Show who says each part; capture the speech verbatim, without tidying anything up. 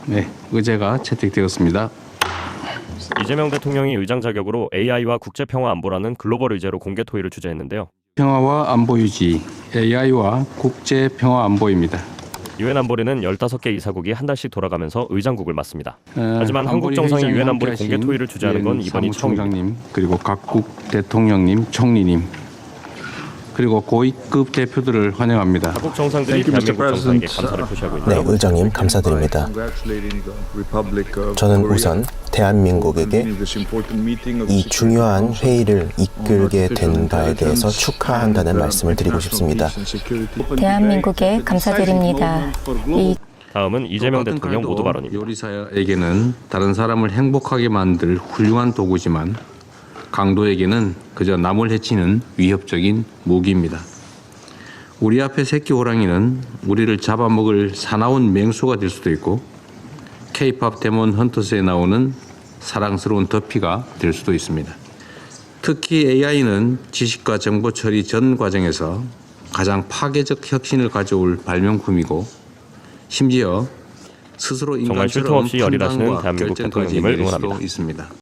Speaker 1: 네, 의제가 채택되었습니다.
Speaker 2: 이재명 대통령이 의장 자격으로 에이아이와 국제평화안보라는 글로벌 의제로 공개 토의를 주재했는데요.
Speaker 1: 평화와 안보 유지, 에이아이와 국제 평화 안보입니다.
Speaker 2: 유엔 안보리는 열다섯 개 이사국이 한 달씩 돌아가면서 의장국을 맡습니다.
Speaker 1: 어,
Speaker 2: 하지만 한국 정상이 유엔 안보리 공개 토의를 주재하는 건 이번이 처음입니다.
Speaker 1: 사무총장님, 그리고 각국 대통령님, 총리님, 그리고 고위급 대표들을 환영합니다.
Speaker 2: 각국 정상들이 대한민국 정상에게 감사를 표시하고
Speaker 3: 네,
Speaker 2: 있는데요.
Speaker 3: 의장님 감사드립니다. 저는 우선 대한민국에게 이 중요한 회의를 이끌게 된 바에 대해서 축하한다는 말씀을 드리고 싶습니다.
Speaker 4: 대한민국에 감사드립니다. 이
Speaker 2: 다음은 이재명
Speaker 1: 똑같은
Speaker 2: 대통령
Speaker 1: 칼도
Speaker 2: 모두 발언입니다.
Speaker 1: 요리사에게는 다른 사람을 행복하게 만들 훌륭한 도구지만 강도에게는 그저 남을 해치는 위협적인 무기입니다. 우리 앞에 새끼 호랑이는 우리를 잡아먹을 사나운 맹수가 될 수도 있고 K-팝 데몬 헌터스에 나오는 사랑스러운 더피가 될 수도 있습니다. 특히 에이아이는 지식과 정보 처리 전 과정에서 가장 파괴적 혁신을 가져올 발명품이고 심지어 스스로
Speaker 2: 정말 쉴 틈
Speaker 1: 인간처럼
Speaker 2: 없이 열일하시는
Speaker 1: 판단과
Speaker 2: 대한민국
Speaker 1: 결정까지
Speaker 2: 대통령님을
Speaker 1: 내릴 수도
Speaker 2: 응원합니다.
Speaker 1: 있습니다.